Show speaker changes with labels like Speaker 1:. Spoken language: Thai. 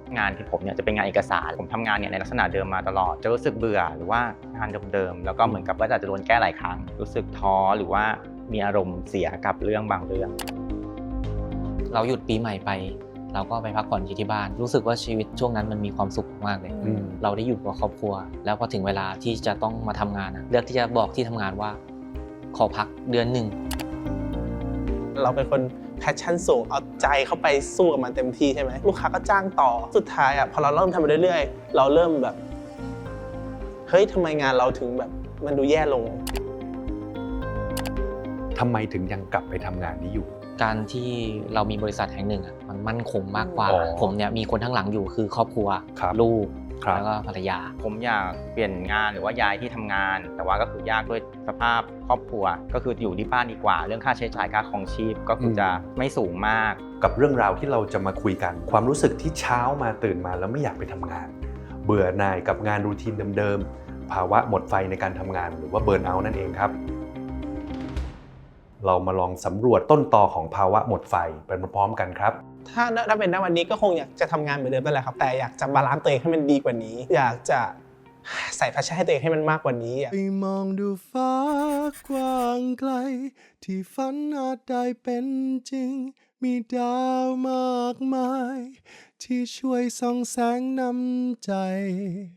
Speaker 1: งานที่ผมเนี่ยจะเป็นงานเอกสารผมทำงานเนี่ยในลักษณะเดิมมาตลอดจะรู้สึกเบื่อหรือว่างานเดิมๆแล้วก็เหมือนกับว่าจะโดนแก้หลายครั้งรู้สึกท้อหรือว่ามีอารมณ์เสียกับเรื่องบางเรื่อง
Speaker 2: เราหยุดปีใหม่ไปเราก็ไปพักผ่อนที่บ้านรู้สึกว่าชีวิตช่วงนั้นมันมีความสุขมากเลยเราได้อยู่กับครอบครัวแล้วพอถึงเวลาที่จะต้องมาทำงานเลือกที่จะบอกที่ทำงานว่าขอพักเดือนหนึ่ง
Speaker 3: เราเป็นคนแพชชั่นสูงเอาใจเข้าไปสู้กับมันเต็มที่ใช่ไหมลูกค้าก็จ้างต่อสุดท้ายพอเราเริ่มทำไปเรื่อยๆเราเริ่มแบบเฮ้ยทำไมงานเราถึงแบบมันดูแย่ลง
Speaker 4: ทำไมถึงยังกลับไปทำงานนี้อยู่
Speaker 2: การที่เรามีบริษัทแห่งหนึ่งมันมั่นคงมากกว่าผมเนี่ยมีคนข้างหลังอยู่คือครอบครัวลูกแล้วก็ภรรยา
Speaker 1: ผมอยากเปลี่ยนงานหรือว่าย้ายที่ทำงานแต่ว่าก็คือยากด้วยสภาพครอบครัวก็คืออยู่ที่บ้านดีกว่าเรื่องค่าใช้จ่ายค่าครองชีพก็คือจะไม่สูงมาก
Speaker 4: กับเรื่องราวที่เราจะมาคุยกันความรู้สึกที่เช้ามาตื่นมาแล้วไม่อยากไปทำงานเบื่อหน่ายกับงานรูทีนเดิมๆภาวะหมดไฟในการทำงานหรือว่าเบิร์นเอาท์นั่นเองครับเรามาลองสำรวจต้นตอของภาวะหมดไฟไปพร้อมๆกันครับ
Speaker 3: ถ้าเป็นณวันนี้ก็คงอยากจะทำงานเหมือนเดิมนั่นแหละครับแต่อยากจะบาลานซ์ตัวเองให้มันดีกว่านี้อยากจะใส่แพชชั่นให้ตัวเองให้มันมากกว่านี้
Speaker 5: ไปมองดูฟ้ากว้างไกลที่ฝันอาจได้เป็นจริงมีดาวมากมายที่ช่วยส่องแสงนำใจ